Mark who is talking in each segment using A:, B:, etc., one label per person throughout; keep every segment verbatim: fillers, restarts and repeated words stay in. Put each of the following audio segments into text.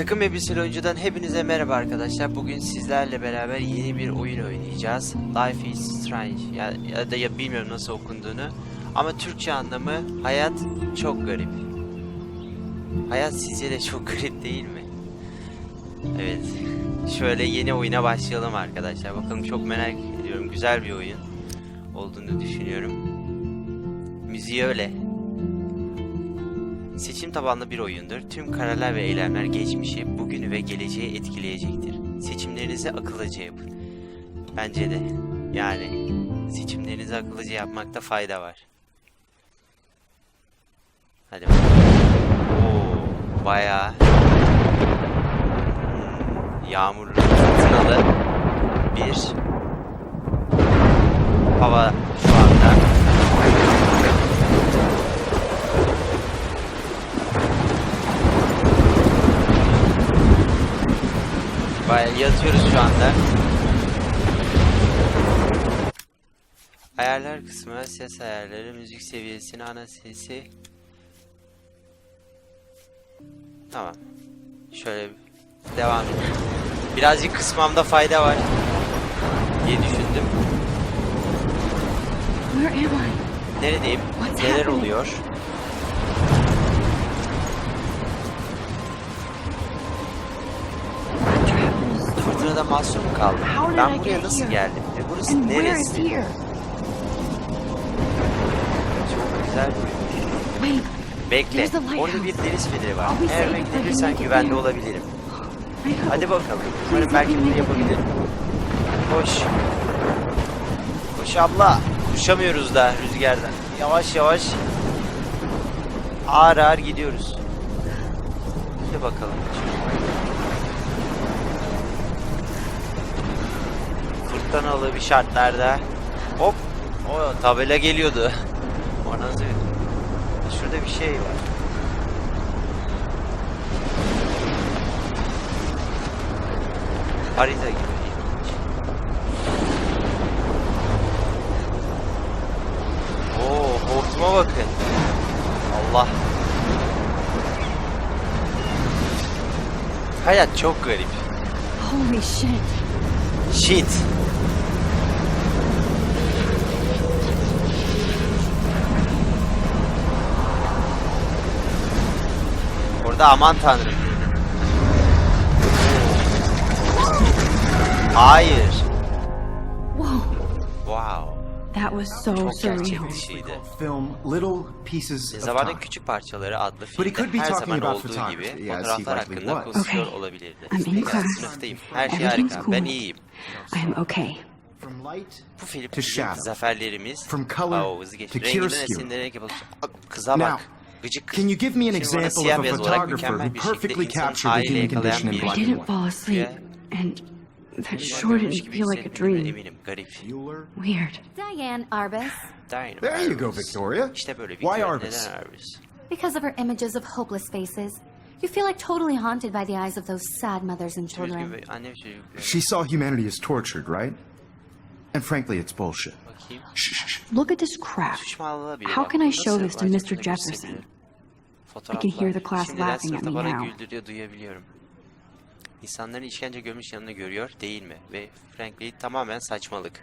A: Takım Elbiseli Oyuncu'dan hepinize merhaba arkadaşlar. Bugün sizlerle beraber yeni bir oyun oynayacağız. Life is Strange ya, ya da ya bilmiyorum nasıl okunduğunu. Ama Türkçe anlamı hayat çok garip. Hayat sizce de çok garip değil mi? Evet. Şöyle yeni oyuna başlayalım arkadaşlar. Bakalım, çok merak ediyorum. Güzel bir oyun olduğunu düşünüyorum. Müziği öyle. Seçim tabanlı bir oyundur. Tüm kararlar ve eylemler geçmişi, bugünü ve geleceği etkileyecektir. Seçimlerinizi akıllıca yapın. Bence de. Yani seçimlerinizi akıllıca yapmakta fayda var. Hadi bakalım. Oo, bayağı yağmurlu, fırtınalı bir hava şu anda. Bayağı yatıyoruz şu anda. Ayarlar kısmı, ses ayarları, müzik seviyesini, ana sesi. Tamam. Şöyle devam edelim. Birazcık kısmamda fayda var diye düşündüm. Neredeyim? Neler oluyor? Fırtınada mahsur mu kaldım? Ben buraya nasıl geldim? Ve burası neresi? Çok güzel bir oyun. Bekle. Orada bir deniz feneri var. Eğer beklenirsen güvende olabilirim. Hadi bakalım. Umarım belki bunu yapabilirim. Koş. Koş abla. Uçamıyoruz da rüzgardan. Yavaş yavaş. Ağır ağır gidiyoruz. Hadi bakalım. Fırtınalı bir şartlarda. Hop. O tabela geliyordu. O nasıl? Şurada bir şey var. Harita gibi. Oo, hortuma bakın. Allah. Hayat çok garip.
B: Holy shit.
A: Shit. Orada aman tanrım. Hayır.
B: Whoa.
A: Wow.
B: That was so
A: Çok
B: surreal.
A: gerçek dışıydı.
C: Film Little Pieces of
A: Zamanın
C: Time.
A: Küçük Parçaları adlı
C: But he could
A: filmde
C: be
A: her
C: talking
A: zaman
C: about
A: olduğu
C: photography,
A: gibi
C: as he
A: fotoğraflar
C: likely
A: hakkında
C: was.
A: konuşuyor
B: Okay.
A: olabilirdi.
B: I'm in
A: Pekala,
B: class.
A: sınıftayım. Her şey
B: Everything's
A: harika.
B: cool.
A: Ben iyiyim.
B: I am okay.
C: From light
A: Bu film
C: to shadow.
A: zaferlerimiz.
C: From color
A: Oo, hızlı geç.
C: to
A: Renginden
C: chiaroscuro.
A: esinlenerek yapılmış. Kıza bak.
C: Now,
A: Gıcık kız.
C: can you give me an
A: Şimdi bana
C: example
A: siyah
C: of a
A: beyaz olarak
C: photographer
A: mükemmel
C: who
A: bir şekilde
C: perfectly
A: insanın
C: captured the
A: haliyle
C: human
A: yakalayan
C: condition in
A: bir
B: I
C: black
B: didn't
C: and
B: fall
C: white?
B: asleep, and that
A: Bunu
B: sure
A: görmüş
B: didn't
A: gibi
B: feel like a
A: hissettiğimden
B: dream.
A: Eminim. Garip.
C: Bueller?
B: Weird.
D: Diane Arbus,
A: Diane
C: There you go,
A: Arbus.
C: Victoria.
A: İşte böyle
C: Why
A: Victoria.
C: Arbus?
A: Neden Arbus?
D: because of her images of hopeless faces. You feel like totally haunted by the eyes of those sad mothers and
A: Üzgün
D: children.
A: ve anne ve çocukları.
C: She saw humanity as tortured, right? And frankly, it's bullshit.
A: Bakayım.
C: Shh, shh, shh.
B: Look at this crap.
A: Suçmalığa bile
B: How
A: bak.
B: can I
A: Nasıl
B: show this to
A: acaba
B: mister
A: gösterebilirim?
B: Jefferson?
A: Fotoğraflar.
B: I can hear the class
A: Şimdiden
B: laughing at
A: sınıfta
B: me
A: bana
B: now.
A: güldürüyor, duyabiliyorum. İnsanların işkence görmüş yanında görüyor, değil mi? Ve frankly tamamen saçmalık.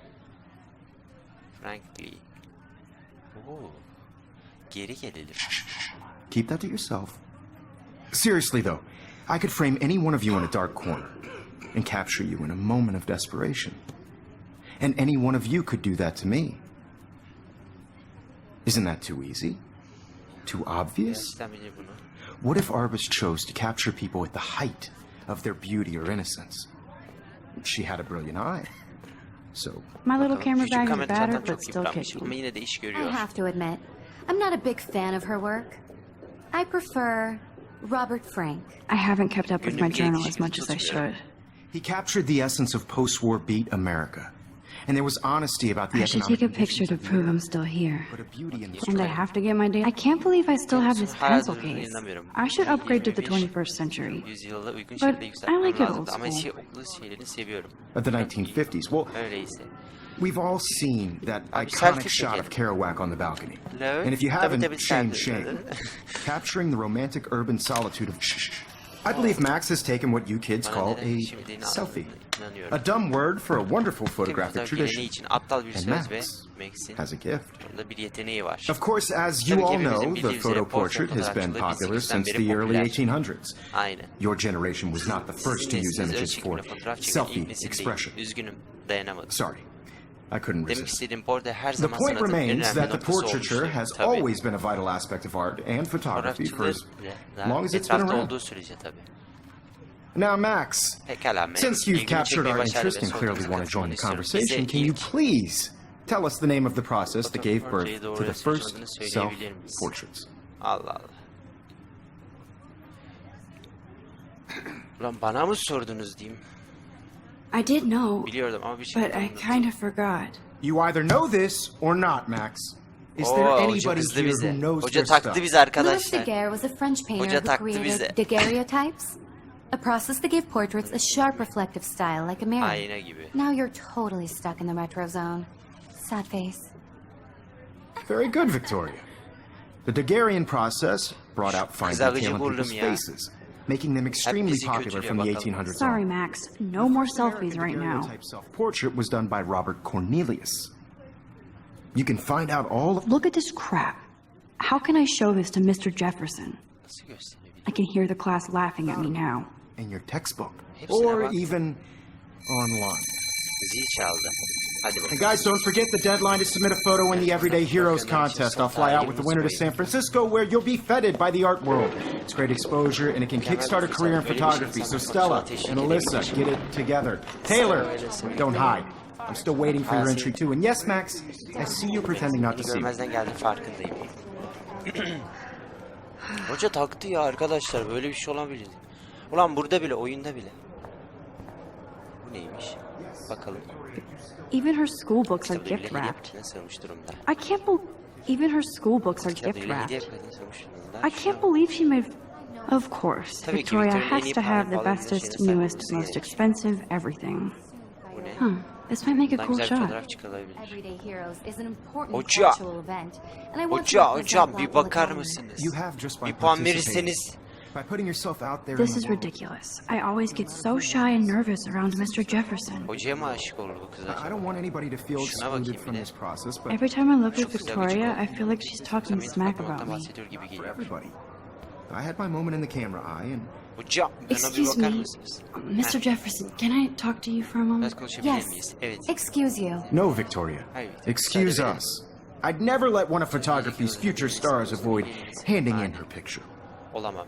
A: Frankly. Oo. Geri gelelim.
C: Keep that to yourself. Seriously, though, I could frame any one of you in a dark corner and capture you in a moment of desperation. And any one of you could do that to me. Isn't that too easy? Too obvious?
A: Gerçekten bilir bunu.
C: What if Arbus chose to capture people at the height of their beauty or innocence? She had a brilliant eye. So,
B: My little
A: Bakalım,
B: camera
A: küçük
B: bag is
A: kamera zaten
B: battered,
A: çok
B: but still
A: yıpranmış
B: kicking.
A: ama yine de iş
D: I
A: görüyor.
D: have to admit, I'm not a big fan of her work. I prefer Robert Frank.
B: I haven't kept up with my
A: Günlük
B: journal
A: iletişim
B: as much as I
A: tutmuyor.
B: should.
C: he captured the essence of post-war beat America. And there was honesty about the
B: I should
C: economic
B: take a picture
C: conditions
B: to
C: of the
B: prove
C: era,
B: I'm still here.
C: but a beauty in the
B: And I
C: struggle.
B: have to get my data. I can't believe I still have this
A: Hala
B: pencil
A: durduğunu
B: case.
A: inanamıyorum.
B: I should upgrade to the
A: yirmi beş
B: twenty-first century.
A: Yüzyıla uygun
B: But
A: şekilde
B: I
A: yükseltmem
B: like it
A: lazım
B: old
A: ama
B: school.
A: şey, okul şeylerini seviyorum.
C: Of the nineteen fifties. Well,
A: Öyleyse.
C: we've all seen that
A: Abi,
C: iconic
A: selfie
C: shot
A: çekelim.
C: of Kerouac on the balcony.
A: Hello?
C: And if you
A: Tabii,
C: haven't,
A: tabii,
C: shame,
A: tabii.
C: shame. Capturing the romantic urban solitude of shh, shh, shh. I believe Max has taken what you kids
A: Bana
C: call
A: neden
C: a
A: şimdi
C: selfie.
A: inanıyorum.
C: A dumb word for a wonderful photographic
A: Fotoğraf geleneği
C: tradition.
A: için aptal bir
C: And
A: söz
C: Max
A: ve Max'in
C: has a gift.
A: onda bir yeteneği var.
C: Of course, as
A: Tabii
C: you
A: ki
C: all
A: hepimizin
C: know, the
A: bildiği üzere
C: photo
A: portre
C: portrait has been
A: fotoğrafçılığı
C: popular
A: bin sekiz yüzden
C: since
A: beri
C: the early
A: popüler.
C: eighteen hundreds.
A: Aynen.
C: Your generation was not the first to use
A: Sizin
C: images
A: nesliniz
C: for
A: ölçekli fotoğraf çeken
C: selfie
A: ilk nesil değil.
C: expression.
A: Üzgünüm, dayanamadım.
C: Sorry, I couldn't
A: Demek
C: resist.
A: istediğim portre her
C: The
A: zaman
C: point
A: sanatın en
C: remains
A: önemli
C: that the
A: noktası
C: portraiture
A: olmuştur.
C: has
A: Tabii.
C: always been a vital aspect of art and photography for as
A: Fotoğrafçılığı
C: long as it's been
A: etrafta
C: around.
A: olduğu sürece tabii.
C: Now, Max,
A: Pekala Max.
C: since you've
A: ilgimi
C: captured
A: çekmeyi
C: our
A: başardı
C: interest
A: ve
C: and
A: son
C: clearly
A: kez
C: want to join the
A: katılmanı istiyorum.
C: conversation,
A: Bize
C: can you
A: ilk
C: please tell us the name of the process that gave birth
A: Fotoğrafı
C: to the
A: doğru
C: first
A: yaşadığını söyleyebilir miyiz?
C: self-portraits?
A: Allah Allah. Ulan bana mı sordunuz diyeyim?
B: I did know,
A: Biliyordum ama bir şey
B: but I
A: anlamadım.
B: kind of forgot.
C: You either know this or not, Max. Is there
A: Oo, hoca
C: anybody
A: kızdı
C: here
A: bize.
C: who knows
A: Hoca
C: their
A: taktı
C: stuff?
A: bize
D: Louis
A: arkadaşlar.
D: Daguerre was a French painter
A: Hoca
D: who
A: taktı bize.
D: created daguerreotypes, a process that gave portraits a sharp reflective style like a mirror.
A: Ayna gibi.
D: Now you're totally stuck in the retro zone. Sad face.
C: Very good, Victoria. The Daguerrean process brought out fine
A: Kızarıcı
C: detail in
A: burnum
C: people's
A: ya.
C: faces, making them extremely
A: bizi
C: popular
A: kötülüyor
C: from the
A: bakalım.
C: eighteen hundreds
B: Sorry,
C: on.
B: Max. No more selfies right now.
C: Daguerreotype self-portrait was done by Robert Cornelius. You can find out all of
B: Look at this crap. How can I show this to Mister Jefferson?
A: Nasıl gösterebilirim?
B: I can hear the class laughing at me now.
C: in your textbook
A: Hepsine
C: or
A: bak.
C: even online.
A: Zil çaldı. Hadi
C: And
A: bakalım.
C: guys, don't forget the deadline to submit a photo in the Everyday Heroes contest. I'll fly out with the winner to San Francisco, where you'll be feted by the art world. It's great exposure, and it can kickstart a career in photography. So Stella and Alyssa, get it together. Taylor, don't hide. I'm still waiting for your entry too. And yes, Max, I see you pretending not to
A: Beni
C: see me.
A: görmezden geldi farkındayım. Hoca taktı ya arkadaşlar, böyle bir şey olabilir. Ulan burada bile, oyunda bile. Bu neymiş? Bakalım.
B: Even her school books are
A: Kitabı
B: gift
A: bile hediye
B: wrapped.
A: paketine sığmış durumda.
B: I can't believe even her school books are
A: Kitabı
B: gift
A: bile hediye
B: wrapped.
A: paketine sığmış durumda.
B: I can't believe she made. Of course,
A: Tabii ki
B: Victoria
A: Victoria'nın en
B: has
A: iyi
B: to have the
A: pahalı
B: bestest,
A: şeyine
B: newest,
A: sahip olması
B: most
A: gerek.
B: expensive everything.
A: Bu ne?
B: Hmm, this might make a
A: Buradan
B: cool
A: güzel bir
B: shot.
A: fotoğraf çıkarılabilir.
D: Everyday Heroes is an important
A: Hoca.
D: cultural event, and I want to
A: Hoca,
D: represent
A: hocam
D: that
A: bir
D: with
A: bakar
D: honor.
A: mısınız?
C: You have just by
A: Bir puan
C: participating.
A: verirseniz.
C: By putting yourself out there
B: This
C: in
B: is
C: the world.
B: ridiculous. I always get so shy and nervous around Mister Jefferson.
A: Hocaya mı aşık oldu bu kız
C: I
A: acaba?
C: don't want anybody to feel
A: Şuna
C: excluded
A: bakayım
C: from
A: bir de.
C: this process, but
B: Every time I look
A: Çok
B: at
A: güzel
B: Victoria,
A: gıcık
B: I feel like she's talking
A: Samimi
B: smack
A: bakmaktan
B: about me.
A: bahsediyor gibi
C: for
A: geliyor.
C: everybody. I had my moment in the camera eye, and
A: Hocam, bana bir
B: Excuse
A: bakar
B: me,
A: mısınız?
B: Mister Jefferson, can I talk to you for a moment?
A: Biraz konuşabilir
D: Yes.
A: miyiz? Evet.
D: Excuse you.
C: no, Victoria.
A: Hayır,
C: Excuse
A: müsaade verin.
C: us. I'd never let one of photography's future stars avoid handing in her picture.
A: Olamam.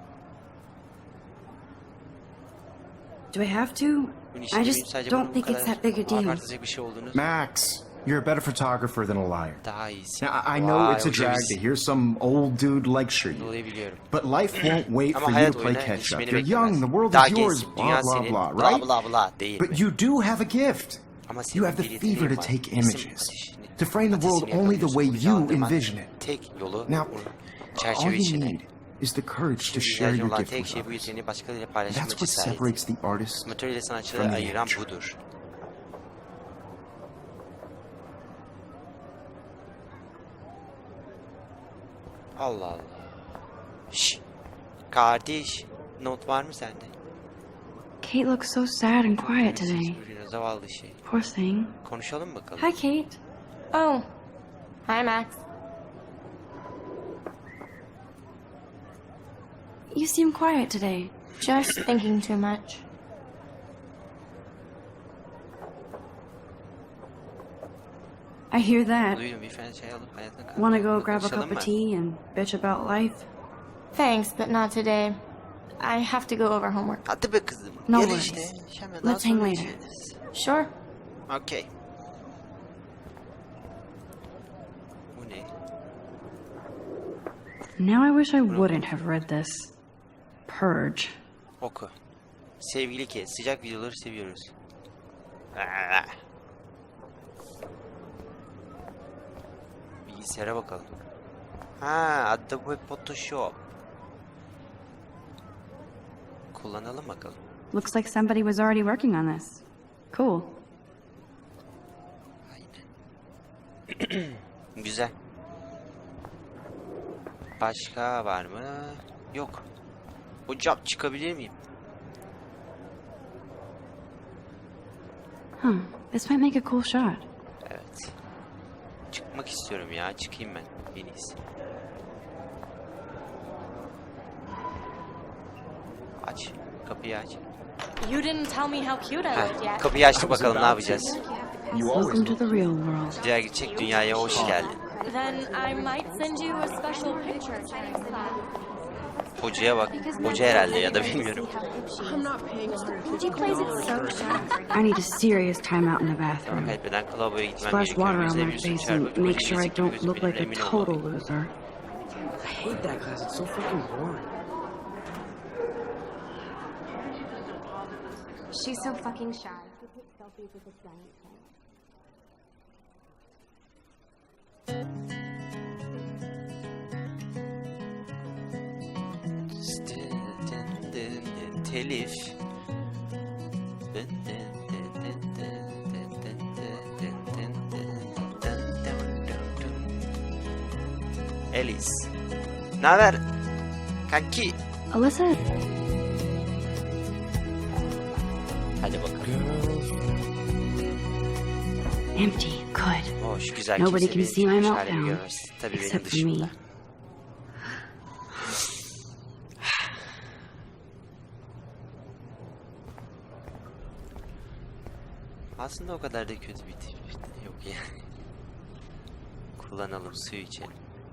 B: Do I have to?
A: Bunun için
B: I
A: benim
B: just
A: sadece
B: don't
A: bu
B: think it's
A: kadar
B: that big a deal.
A: abartacak bir şey olduğunu
C: Max, you're a better photographer than a liar.
A: daha iyisi.
C: Now, I I know
A: Vay,
C: it's a
A: hoca
C: drag
A: biz-
C: to hear some old dude lecture you,
A: Dolayı biliyorum.
C: but life won't wait
A: Ama
C: for you
A: hayat
C: to play
A: oyuna
C: catch up.
A: yetişmeni
C: You're young, the
A: beklemez.
C: world
A: Daha
C: is yours,
A: gençsin, dünya
C: blah, blah,
A: senin,
C: blah,
A: bla
C: right?
A: bla bla değil
C: But
A: mi?
C: you do have a gift.
A: Ama senin
C: You have the
A: bir yeteneğin
C: fever to
A: var.
C: take
A: Resim
C: images,
A: ateşini-
C: to frame the world
A: ateşini
C: only the way
A: yakalıyorsun,
C: you
A: uyandırman
C: envision it.
A: Tek yolu
C: Now,
A: bunu
C: all
A: çerçeve
C: you
A: içine.
C: need is the courage to
A: Şimdi
C: share
A: ihtiyacın
C: your
A: olan
C: gift
A: tek
C: with
A: şey bu
C: others.
A: yeteneği başkalarıyla
C: That's
A: paylaşma
C: what
A: cesareti.
C: separates the artist
A: Amatör ile sanatçıları
C: from the
A: ayıran
C: amateur.
A: budur. Allah Allah. Şşş. Kardeş, not var mı sende?
B: Kate looks so sad and quiet today.
A: Sürüyor, zavallı şey.
B: Poor thing.
A: Konuşalım bakalım.
B: Hi, Kate.
D: Oh. Hi, Max.
B: You seem quiet today.
D: Just thinking too much.
B: I hear that.
A: Duydum, bir fren çay alıp hayatına kalk.
B: Want to go grab a
A: Konuşalım
B: cup of
A: mı?
B: tea and bitch about life?
D: Thanks, but not today. I have to go over homework.
A: Hadi be kızım.
B: No
A: Gel
B: worries.
A: işte. Hemen daha
B: Let's hang
A: sonra
B: later.
A: içeriz.
D: Sure.
A: Okey. Bu ne?
B: Now I wish I wouldn't have read this. Purge.
A: Oku. Sevgili Kate, sıcak videoları seviyoruz. Aa. Bilgisayara bakalım. Ha, Adobe Photoshop. Kullanalım bakalım.
B: Looks like somebody was already working on this. Cool.
A: Aynen. Güzel. Başka var mı? Yok. Hocam çıkabilir miyim?
B: Huh. This might make a cool shot.
A: Evet. Çıkmak istiyorum ya. Çıkayım ben. En iyisi. Aç. Kapıyı aç.
E: You didn't tell me how cute I
A: Heh,
E: looked yet.
A: kapıyı açtık bakalım ne yapacağız.
B: Welcome to the real world.
A: Diğer gerçek dünyaya hoş geldin.
E: Then I might send you a special picture.
A: Hocaya bak. Hoca herhalde ya da bilmiyorum.
D: She plays it so shy.
B: I need a serious time out in the
A: Zaman
B: bathroom.
A: kaybeden lavaboya gitmem
B: Splash
A: gerekiyor.
B: water on
A: Yüzüne
B: my
A: bir su
B: face
A: çarpıp
B: and make
A: hoca
B: sure I
A: gelecek
B: don't
A: gözü
B: look
A: benim,
B: like a
A: emin
B: total
A: olmalıyım.
B: loser.
F: I hate that class. It's so fucking boring.
D: She's so fucking shy. She takes selfies with this giant plant.
A: Telif. Alice. Ne haber? Kanki.
B: Alyssa,
A: Hadi bakalım.
B: empty. Good.
A: Oh, şu güzel
B: Nobody
A: kimse
B: can
A: benim
B: see my
A: çıkmış
B: meltdown,
A: halimi görmez. Tabii benim
B: except for me.
A: dışımda. Aslında o kadar da kötü bir tip yok yani. Kullanalım, su içelim.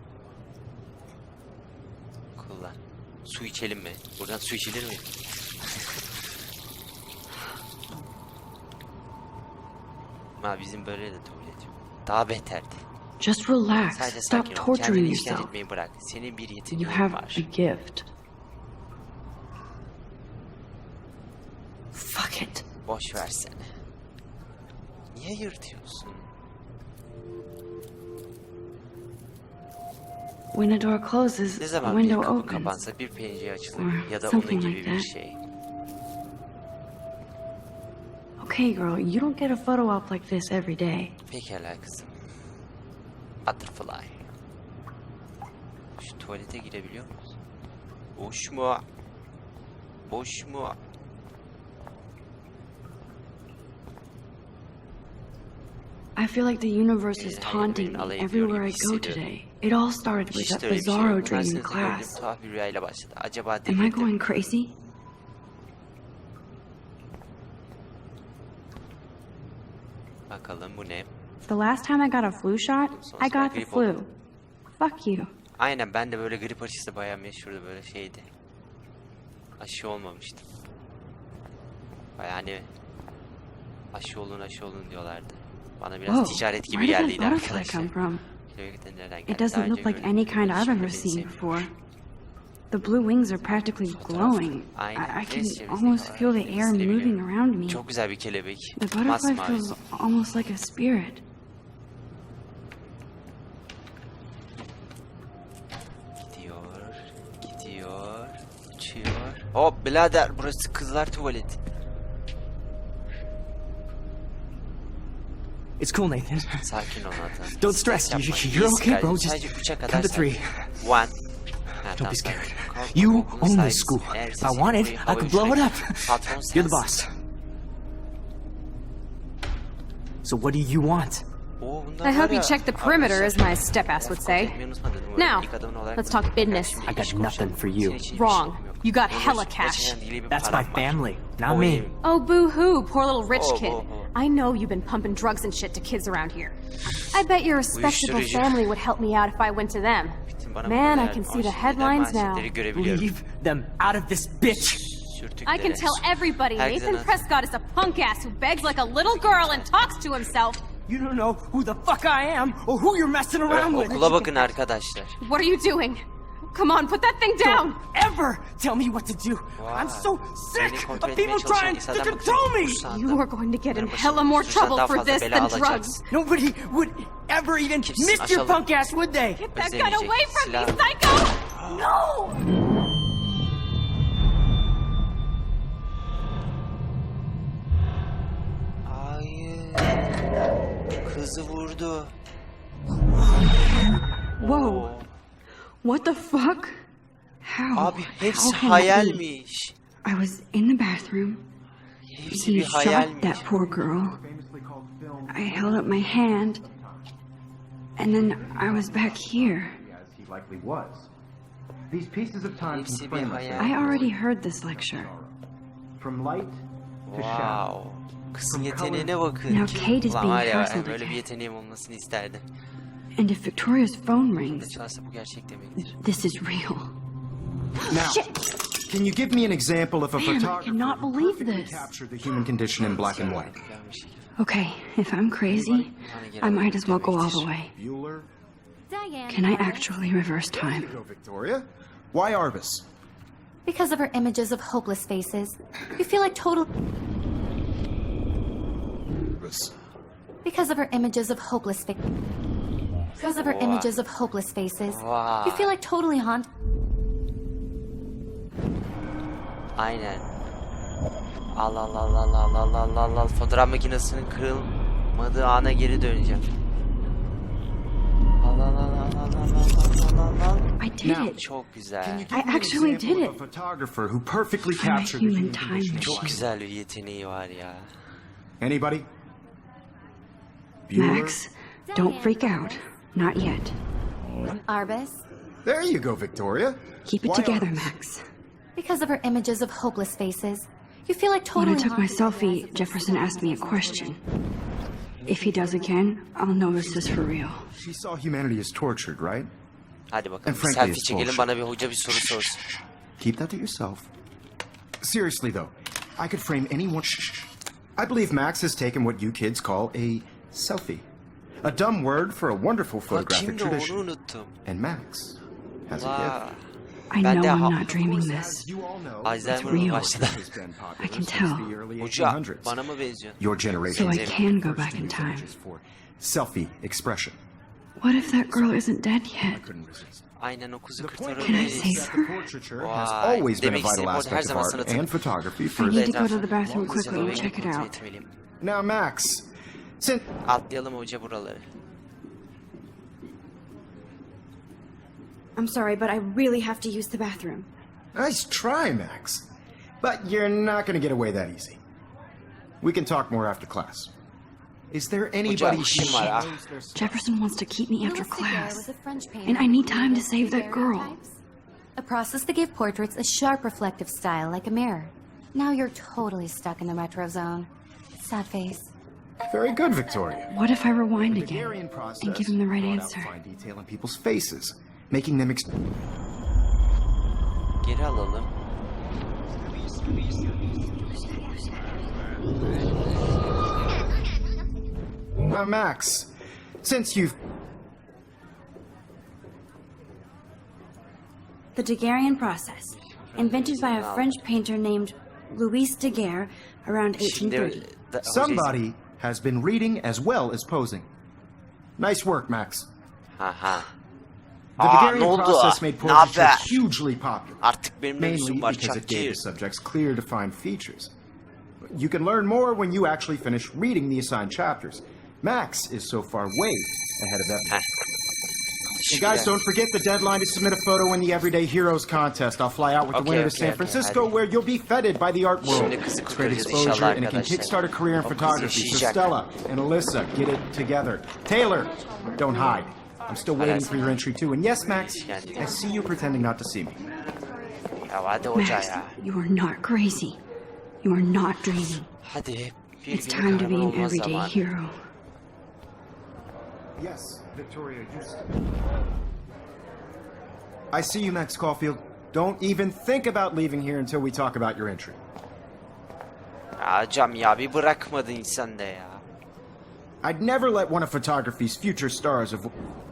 A: Kullan. Su içelim mi? Buradan su içilir mi? Ma bizim böyle de tuvalet yok. Daha beterdi.
B: Just relax.
A: Sadece
B: Stop
A: sakin ol.
B: torturing
A: Kendini işkence
B: yourself.
A: etmeyi bırak. Senin bir
B: You
A: yeteneğin
B: have a
A: var.
B: gift. Fuck it.
A: Boş versene. Niye yırtıyorsun?
B: When a door closes,
A: Ne
B: a
A: zaman bir
B: window
A: kapı
B: opens.
A: kapansa bir pencere açılır
B: Or
A: ya da onun
B: something
A: gibi
B: like
A: bir
B: that.
A: şey.
B: Okay, girl, you don't get a photo op like this every day.
A: Pekala kızım. Butterfly. Şu tuvalete girebiliyor muyuz? Boş mu? Boş mu?
B: I feel like the universe is
A: Hayır,
B: taunting
A: benim
B: me
A: alay ediyor
B: everywhere I
A: gibi
B: go
A: hissediyorum.
B: today. It all started with
A: İşte
B: that
A: öyle bir şey
B: bizarro
A: yok.
B: dream in
A: Üniversitede gördüğüm
B: class.
A: tuhaf bir rüyayla başladı. Acaba
B: Am I
A: delirdim.
B: going crazy?
A: Bakalım bu ne?
B: The last time I got a flu shot, I got the flu. Fuck you.
A: Aynen ben de böyle grip aşısı bayağı meşhurdu böyle şeydi. Aşı olmamıştım. Bayağı hani aşı olun aşı olun diyorlardı. Bana biraz
B: Whoa,
A: ticaret gibi
B: where did that
A: geldiydi
B: butterfly
A: arkadaşlar.
B: come from?
A: Kelebekten nereden geldi?
B: It
A: Daha
B: doesn't
A: önce
B: look like
A: görmedim.
B: any kind I've
A: Şimdi
B: ever
A: beni
B: seen
A: sevmiyor.
B: before. The blue wings are practically glowing. I,
A: Aynen,
B: I
A: deniz
B: can
A: çevresindeki
B: almost feel the
A: olarak
B: air
A: hissedebiliyorum.
B: moving around me.
A: Çok güzel bir kelebek.
B: The butterfly
A: Masmavi.
B: feels almost like a spirit.
A: Gidiyor, gidiyor, uçuyor. Hop birader burası kızlar tuvaleti.
F: It's cool, Nathan.
A: Sakin ol Nathan.
F: Don't
A: Stres
F: stress.
A: yapma.
F: You- you're
A: İyiyiz
F: okay, bro.
A: kardeşim.
F: Just
A: Sadece üçe kadar
F: count to
A: say.
F: three.
A: One. Ha,
F: Don't
A: tamam,
F: be
A: sakin.
F: scared.
A: Korkma,
F: You
A: korkma,
F: own
A: sakin.
F: this school.
A: Eğer
F: If I
A: sesin
F: wanted,
A: burayı
F: I
A: havaya
F: could blow it
A: uçurayım.
F: up.
A: Patron
F: You're the
A: sensin.
F: boss. So what do you want?
A: Oo, bunlar
G: I
A: var
G: hope you
A: ya,
G: check the perimeter, as
A: arkadaşlar.
G: my step-ass would
A: Laf
G: say.
A: konuşmayı unutmadın mı?
G: Now,
A: İlk adamın olarak
G: let's
A: bunu
G: talk
A: yapıyorum.
G: business.
A: Şimdi
F: I got
A: iş konuşalım.
F: nothing for you.
A: Senin için hiçbir
G: Wrong.
A: şeyim yok.
G: You got
A: Benim
G: hella
A: gerçekten
G: cash.
A: deli bir
F: That's my
A: param var.
F: family, not
A: O
F: me.
A: benim.
G: Oh, boo-hoo, poor little rich
A: Oh,
G: kid.
A: oh, oh.
G: I know you've been pumping drugs and shit to kids around here. I bet your respectable
A: Uyuşturucu.
G: family would help me out if I went to them.
A: Bütün bana
G: Man,
A: bunlar
G: I can see the
A: manşetler,
G: headlines now.
A: manşetleri görebiliyorum.
F: Leave them out of this bitch.
A: Sürtüklere.
G: I can tell everybody
A: Herkese
G: Nathan
A: nasıl-
G: Prescott is a punk ass who begs like a little girl and talks to himself.
F: You don't know who the fuck I am or who you're messing around with.
A: Okula bakın arkadaşlar.
G: What are you doing? Come on, put that thing down!
F: Don't ever tell me what to do. I'm so
A: Beni
F: sick
A: kontrol
F: of
A: etmeye
F: people
A: çalışan
F: trying to
A: insanlardan bıktım.
F: control me.
A: Susan'dan-
G: You are going to get in
A: Bunların başına-
G: hella more
A: Susan'dan
G: trouble for
A: fazla
G: this
A: bela
G: than
A: alacaksın.
G: drugs.
F: Nobody would ever even
A: Kimsin?
F: miss your
A: Aşağılık.
F: punk ass, would they?
G: Get that gun
A: Özlemeyecek.
G: away from me,
A: Silah-
G: psycho! No!
A: Hayır. Kızı vurdu.
B: Whoa. What the fuck? How?
A: Abi hepsi
B: How can that be?
A: hayalmiş.
B: I was in the bathroom.
A: Hepsi
B: He
A: bir
B: shot
A: hayalmiş.
B: that poor girl. I held up my hand. And then I was back here.
C: As he likely was. These pieces of time
A: Hepsi
C: can
A: bir
C: frame us
A: hayal.
B: I already heard this lecture.
C: from light to shadow.
A: Wow. Kızın yeteneğine bakın.
B: Now Kate is
A: Ulan
B: being
A: var ya
B: hassled
A: böyle bir
B: again.
A: yeteneğim olmasını isterdim.
B: And if Victoria's phone
A: Ne
B: rings,
A: çalarsa bu gerçek demektir.
B: this is real.
C: Now, can you give me an example of a
B: Man, I
C: photographer
B: cannot
C: who
B: believe
C: perfectly
B: this.
C: captured the human condition in black and white?
B: Okay, if I'm crazy, I might as well go all the way.
C: Bueller?
D: Diane.
B: Can I actually reverse time?
C: Go, Victoria. Why Arvis?
D: Because of her images of hopeless faces, you feel like total.
C: Arvis.
D: Because of her images of hopeless fa- Because of her images of hopeless faces, you feel like totally haunted.
A: Aynen. Al al al al al al al al al. Fotoğraf makinesinin kırılmadığı ana geri döneceğim. Al al al al al al al al al.
B: I did it.
A: Çok güzel.
B: I actually did
C: Example of
B: it.
C: a photographer who perfectly
B: I'm a
C: captured the
B: human
C: human
B: time
C: condition.
A: Çok
B: machine.
A: güzel bir yeteneği var ya.
C: Anybody? Bueller?
B: Max, don't freak out. Not yet.
D: Arbus.
C: There you go, Victoria.
B: Keep it
C: Why
B: together,
C: Arvis?
B: Max.
D: Because of her images of hopeless faces, you feel like
B: When
D: totally
B: I took my
D: haunted by the
B: selfie,
D: eyes of
B: Jefferson
D: the
B: asked me a question. If he does again, I'll know this is for real.
C: She saw humanity as tortured, right?
A: Hadi bakalım.
C: And
A: Bir
C: frankly,
A: selfie
C: it's
A: çekelim,
C: bullshit.
A: bana bir hoca bir soru sorsun.
C: Keep that to yourself. Seriously, though, I could frame anyone. I believe Max has taken what you kids call a selfie. A dumb word for a wonderful
A: Bak
C: photographic
A: şimdi onu
C: tradition.
A: unuttum.
C: And Max has a
A: Vay.
C: gift.
B: I
A: Ben
B: know
A: de
B: I'm
A: ha-
B: not dreaming this.
C: You all know,
A: Alzheimer'ın
B: real.
A: başladı.
C: has been popular
B: I can
C: since
B: tell.
C: the early
A: Hoca
C: eighteen hundreds.
A: bana mı benziyor?
C: Your
B: So
C: generation
B: I can go back in time.
C: for selfie expression.
B: What if that girl isn't dead yet?
C: Couldn't resist.
A: Aynen o kuzu
C: The point
A: kurtarır
B: Can I
C: is
B: save
C: that
B: her?
C: the portraiture has
A: Vay.
C: always been a
A: Demek
C: vital
A: istediğim o her
C: aspect of
A: zaman
C: art
A: sanatın.
C: and photography
B: I
C: for
B: need to
C: the...
B: go to the bathroom quickly and
A: Hızlıca
B: check it
A: kontrol
B: out.
A: etmeliyim.
C: Now, Max, since...
A: Atlayalım hoca buraları.
B: I'm sorry, but I really have to use the bathroom.
C: Nice try, Max. But you're not going to get away that easy. We can talk more after class. Is there anybody
A: Hoca,
C: who
A: işim var ha.
C: knows their stuff?
B: Jefferson wants to keep me after
D: Louis Daguerre
B: class.
D: was a French painter
B: And I need
D: who
B: time to
D: used
B: save that girl.
D: daguerreotypes, a process that gave portraits a sharp reflective style like a mirror. Now you're totally stuck in the retro zone. Sad face.
C: Very good, Victoria.
B: What if I rewind
C: The
B: again
C: Daguerrean process
B: and give him the right
C: brought out
B: answer?
C: fine detail in people's faces, making them... Ex-
A: Geri alalım.
C: Now, Max, since you've...
B: The Daguerrean process, invented by a French painter named Louis Daguerre around eighteen
A: Şimdi
B: thirty.
A: da- hoca
C: Somebody has been reading as well as posing. Nice work, Max.
A: Aha.
C: The
A: Aa,
C: Daguerrean
A: ne oldu?
C: process made
A: Ne
C: portraiture
A: haber?
C: hugely popular.
A: Artık benim de
C: Mainly
A: yüzüm var
C: because it gave
A: çakçı.
C: the subjects clear, defined features. You can learn more when you actually finish reading the assigned chapters. Max is so far way ahead of everyone. And guys, don't forget the deadline to submit a photo in the Everyday Heroes contest. I'll fly out with the
A: Okay,
C: winner to
A: okay,
C: San
A: okay,
C: Francisco,
A: hadi.
C: where you'll be feted by the art world.
A: Şimdi kızı
C: It's great
A: kurtaracağız
C: exposure,
A: inşallah
C: and it can
A: arkadaşlar.
C: kickstart a career in
A: O kız
C: photography. So
A: yaşayacak.
C: Stella and Alyssa, get it together. Taylor, don't hide. I'm still waiting
A: Alas.
C: for your entry too. And yes, Max,
A: Yani.
C: I see you pretending not to see me.
A: Ya hadi hoca
B: Max,
A: ya.
B: you are not crazy. You are not dreaming.
A: Hadi. Bir
B: It's
A: gün
B: time to be
A: kahraman
B: an
A: olma
B: everyday
A: zamanı.
B: hero.
C: Yes, Victoria, you... I see you, Max Caulfield. Don't even think about leaving here until we talk about your entry.
A: Ya hocam ya bir bırakmadı insan da ya.
C: I'd never let one of photography's future stars of...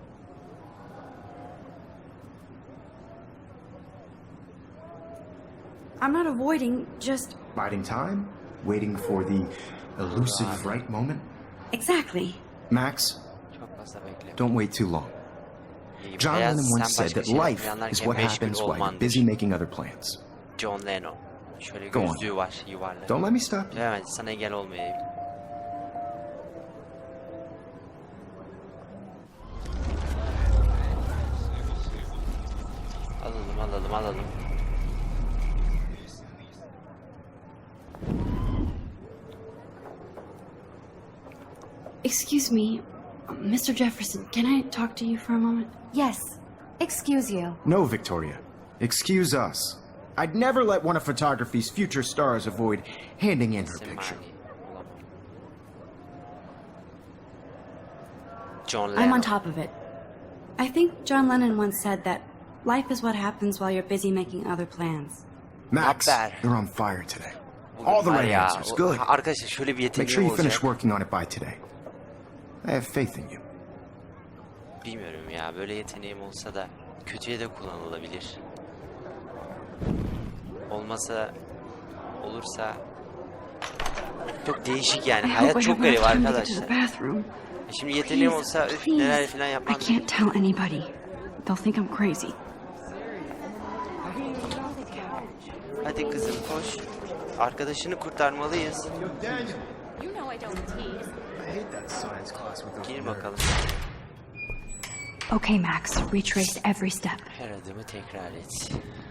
B: I'm not avoiding, just
C: Biding time, waiting for the elusive right moment.
B: exactly.
C: Max,
A: Çok fazla bekle.
C: don't wait too long.
A: İyi,
C: John
A: hayat
C: Lennon once
A: sen
C: said
A: başka
C: that
A: şeyler
C: life is
A: planlarken
C: what
A: meşgul
C: happens while you're
A: olmandır.
C: busy making other plans.
A: John Lennon. Şöyle
C: Go on.
A: gözlüğü var yuvarlak.
C: Don't let me stop you.
A: Evet sana engel olmayayım. Alalım alalım Alalım alalım.
B: Excuse me, Mister Jefferson, can I talk to you for a moment?
D: Yes. Excuse you.
C: No, Victoria. Excuse us. I'd never let one of photography's future stars avoid handing in her picture.
A: Semani. John
B: I'm
A: Lennon.
B: on top of it. I think John Lennon once said that life is what happens while you're busy making other plans.
C: Max,
A: Not bad.
C: you're on fire today.
A: Bugün
C: All the
A: var
C: right
A: ya,
C: answers.
A: o-
C: Good.
A: Arkadaşlar şöyle bir
C: Make sure
A: yeteneğim
C: you finish
A: olacak.
C: working on it by today. I have faith in you.
A: Bilmiyorum ya, böyle yeteneğim olsa da kötüye de kullanılabilir. Olmasa, olursa çok değişik yani.
B: I hope
A: Hayat
B: I
A: çok
B: have enough
A: garip
B: time to get to the
A: arkadaşlar.
B: bathroom.
A: Şimdi yeteneğim
B: Please,
A: olsa üf,
B: please.
A: neler falan
B: I
A: yapmam.
B: can't tell anybody. They'll think I'm crazy.
A: Hadi kızım koş. Arkadaşını kurtarmalıyız.
E: You know I don't tease.
C: I hate that science class with
A: Gir bakalım.
B: Okay, Max, retrace every step.
A: Her adımı tekrar et.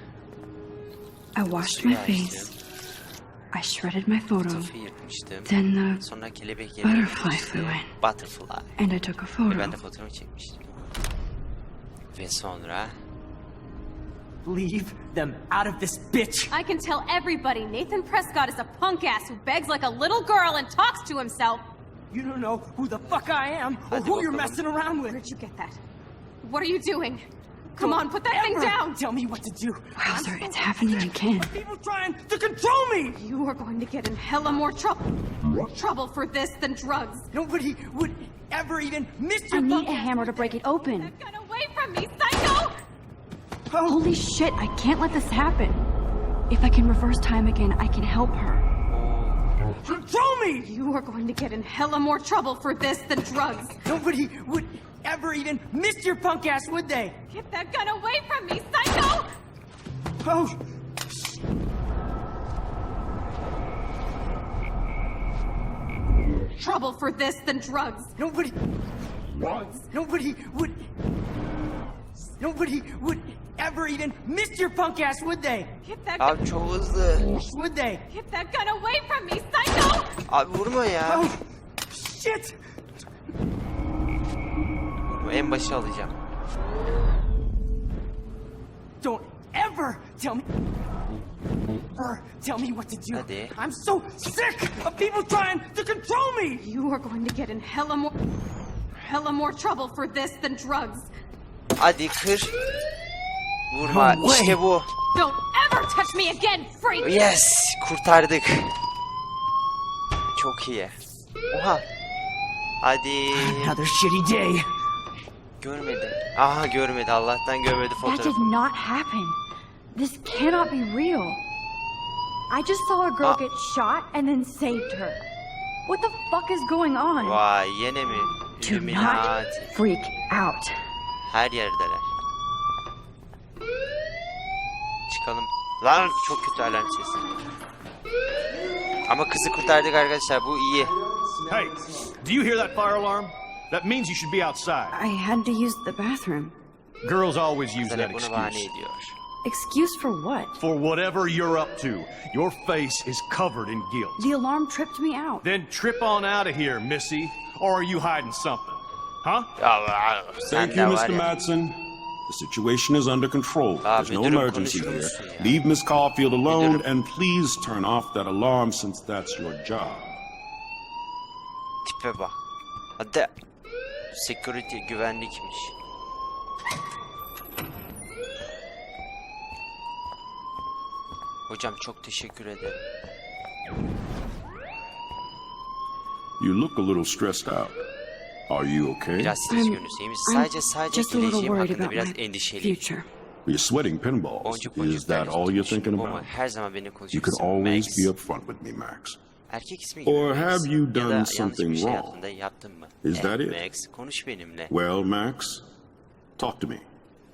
B: I washed my face. I shredded my photo.
A: Fotoğrafı yırtmıştım.
B: Then the
A: Sonra kelebek yerine
B: butterfly
A: gitmişti.
B: flew in.
A: Butterfly.
B: and I took a
A: Ve
B: photo.
A: ben de fotoğrafı çekmiştim. Ve sonra
F: Leave them out of this bitch.
G: I can tell everybody Nathan Prescott is a punk ass who begs like a little girl and talks to himself.
F: You don't know who the fuck I am or
A: Hadi
F: who you're
A: bakalım.
F: messing around with.
G: Where'd you get that? What are you doing? Come on, put that thing
F: Ever
G: down!
F: Tell me what to do.
B: Wowzer, it's happening again.
F: People trying to control me.
G: You are going to get in hella more trouble trouble for this than drugs.
F: Nobody would ever even miss
B: I
F: your
B: need
F: punk
B: a
F: ass.
B: hammer to break it open.
G: Get that gun away from me, psycho!
B: Holy shit, I can't let this happen. If I can reverse time again, I can help her.
F: Control me.
G: You are going to get in hella more trouble for this than drugs.
F: Nobody would ever even miss your punk ass, would they?
G: Get that gun away from me, psycho!
F: Oh.
G: Trouble for this than drugs.
F: Nobody. Nobody would. Nobody would ever even miss your punk ass, would they?
G: Get that gun,
A: abi çok hızlı.
F: Would they?
G: get that gun away from me, psycho!
A: Abi vurma ya.
F: Oh, shit!
A: Vurma, en başa alacağım.
F: Don't ever tell me. Ever tell me what to do.
A: Hadi.
F: I'm so sick of people trying to control me.
G: You are going to get in hella more hella more trouble for this than drugs.
A: Hadi kır. Vurma.
F: No way.
A: İşte bu.
G: Don't ever touch me again, freak!
A: Yes. Kurtardık. Çok iyi. Oha. Hadi.
F: Another shitty day.
A: Görmedi. Aha görmedi. Allah'tan görmedi
B: That
A: fotoğrafı.
B: did not happen. This cannot be real. I just saw a girl
A: Ah.
B: get shot and then saved her. What the fuck is going on?
A: Vay yine mi?
B: Do not
A: Illuminati.
B: freak out.
A: Her yerdeler. Çıkalım. Lan çok kötü alarm sesi. Ama kızı kurtardık arkadaşlar. Bu iyi.
H: Hey, do you hear that fire alarm? That means you should be outside.
B: I had to use the bathroom.
H: Girls always use
A: Sen
H: that
A: hep bunu bahane
H: excuse.
A: ediyor.
B: Excuse for what?
H: For whatever you're up to, your face is covered in guilt.
B: The alarm tripped me out.
H: Then trip on out of here, Missy. Or are you hiding something? Huh?
A: Allah, sen
I: Thank
A: de
I: you,
A: var
I: Mister
A: ya.
I: Madsen. The situation is under control.
A: Ah,
I: There's no
A: müdürüm,
I: emergency here.
A: konuşuyorsun ya.
I: Leave Miss Caulfield alone
A: Müdürüm.
I: and please turn off that alarm since that's your job.
A: Tipe bak. Hadi. Security güvenlikmiş. Hocam çok teşekkür ederim.
I: You look a little stressed out. Are you okay?
A: Biraz stres görünüyorsun iyi misin? Sadece sadece
B: just a little
A: geleceğim
B: worried
A: hakkında
B: about
A: biraz
B: my
A: endişeliyim.
B: future.
I: You're sweating pinballs.
A: Boncuk
I: Is
A: boncuklar
I: that all you're thinking
A: Bu mu?
I: about?
A: Her zaman beni
I: You could
A: konuşuyorsun.
I: always
A: Max.
I: be upfront with me, Max.
A: Erkek ismi gibi.
I: Or
A: Max.
I: have you
A: Ya da
I: done
A: yanlış bir
I: something
A: şey
I: wrong?
A: yaptın da yaptın mı?
I: Is
A: Eh,
I: that it?
A: Max konuş benimle.
I: Well, Max, talk to me.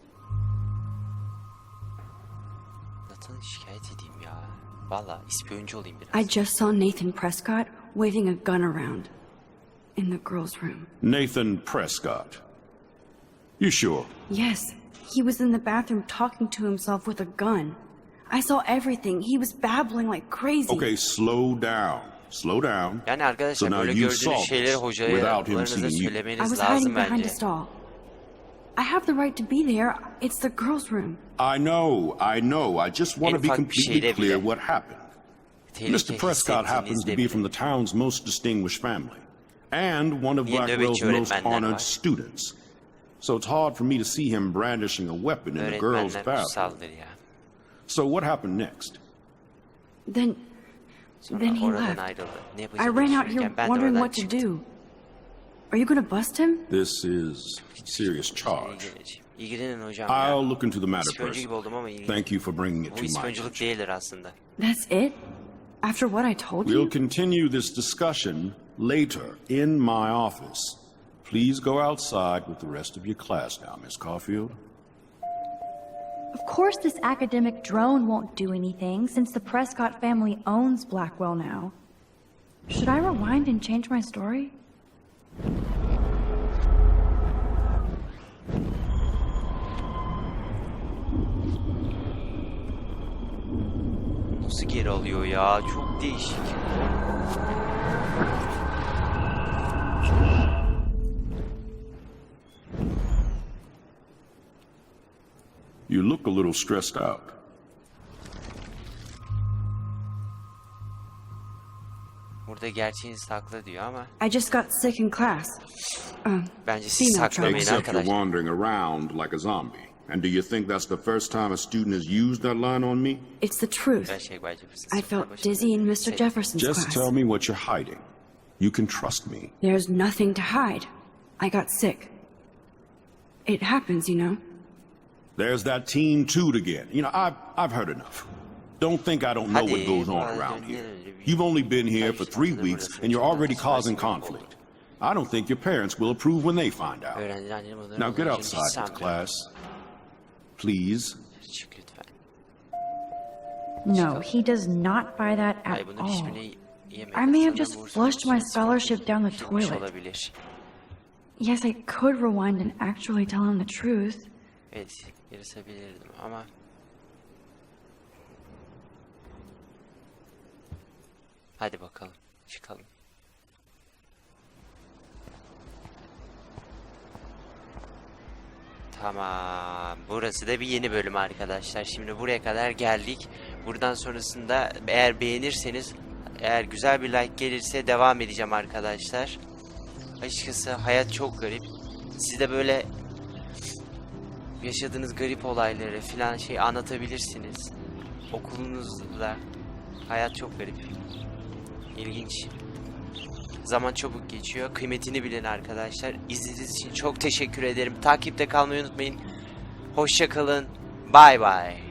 A: Nathan'ı şikayet edeyim ya. Valla ispiyoncu olayım biraz.
B: I just saw Nathan Prescott waving a gun around in the girls' room.
I: Nathan Prescott. You sure?
B: Yes, He was in the bathroom talking to himself with a gun. I saw everything. He was babbling like crazy.
I: Okay, slow down. Slow down.
A: Yani arkadaşlar
I: So now
A: böyle
I: you
A: gördüğünüz
I: saw
A: şeyleri
I: this
A: hocaya
I: without him
A: hocalarınıza
I: seeing you.
B: I
A: söylemeniz
B: was
A: lazım
B: hiding behind
A: bence.
B: a stall. I have the right to be there. It's the girls' room.
I: I know, I know. I just want
A: En
I: to be
A: ufak bir
I: completely
A: şeyde
I: clear
A: bile
I: what happened.
A: Tehlike
I: Mister Prescott happens to be
A: hissettiğinizde
I: from the town's most distinguished family and one of
A: Niye
I: Blackwell's
A: nöbetçi
I: most
A: öğretmenler
I: honored
A: var?
I: students. So it's hard for me to see him brandishing a weapon in the girls'
A: öğretmenler
I: bathroom.
A: kutsaldır ya.
I: So what happened next?
B: Then,
A: Sonra
B: then he
A: oradan
B: left.
A: ayrıldı. Ne
B: I
A: yapacağını
B: ran out here
A: düşünürken ben de
B: wondering
A: oradan
B: what to
A: çıktım.
B: do. Are you gonna bust him?
I: This is serious charge.
A: İlgileneceğim. İlgilenin hocam ya.
I: I'll look into the matter
A: İspiyoncu gibi
I: personally.
A: oldum ama ilgilenin.
I: Thank you for bringing it
A: Bu
I: to my
A: ispiyonculuk
I: attention.
A: değildir aslında.
B: That's it? After what I told
I: We'll
B: you?
I: continue this discussion later in my office. Please go outside with the rest of your class now, Miss Caulfield.
J: Of course this academic drone won't do anything since the Prescott family owns Blackwell now. Should I rewind and change my story?
A: Nasıl geri alıyor ya? Çok değişik.
I: You look a little stressed out.
A: Burada gerçeğini sakla diyor ama
B: I just got sick in class. Um,
A: bence siz
B: female
A: saklamayın
B: trouble.
I: Except you're
A: arkadaşlar.
I: wandering around like a zombie. And do you think that's the first time a student has used that line on me?
B: It's the truth.
A: Gerçek bence bu
B: I felt dizzy in Mister Jefferson's
I: Just
B: class.
I: tell me what you're hiding. You can trust me.
B: There's nothing to hide. I got sick. It happens, you know.
I: There's that teen toot again. You know, I've, I've heard enough. Don't think I don't know what
A: Hadi,
I: goes on
A: biraz
I: around
A: dönelim.
I: here. You've only been here for three weeks and you're already causing conflict. I don't think your parents will approve when they find out.
A: Öğrenciler annenin onların
I: Now get
A: olacağını
I: outside with the
A: sanmıyorum.
I: class. Please.
A: Çık lütfen.
J: No, he does not buy that at
A: Hayır bunların
J: all.
A: hiçbirini yemedi.
J: I may have
A: Sana
J: just
A: burs
J: flushed my
A: konusunda
J: scholarship down the
A: bilmiş
J: toilet.
A: olabilir.
J: Yes, I could rewind and actually tell him the truth.
A: Evet, yarısabilirdim ama hadi bakalım, çıkalım. Tamam, burası da bir yeni bölüm arkadaşlar. Şimdi buraya kadar geldik. Buradan sonrasında eğer beğenirseniz, eğer güzel bir like gelirse devam edeceğim arkadaşlar. Açıkçası hayat çok garip. Siz de böyle yaşadığınız garip olayları filan şey anlatabilirsiniz. Okulunuzda. Hayat çok garip. İlginç. Zaman çabuk geçiyor. Kıymetini bilin arkadaşlar. İzlediğiniz için çok teşekkür ederim. Takipte kalmayı unutmayın. Hoşça kalın. Bay bay.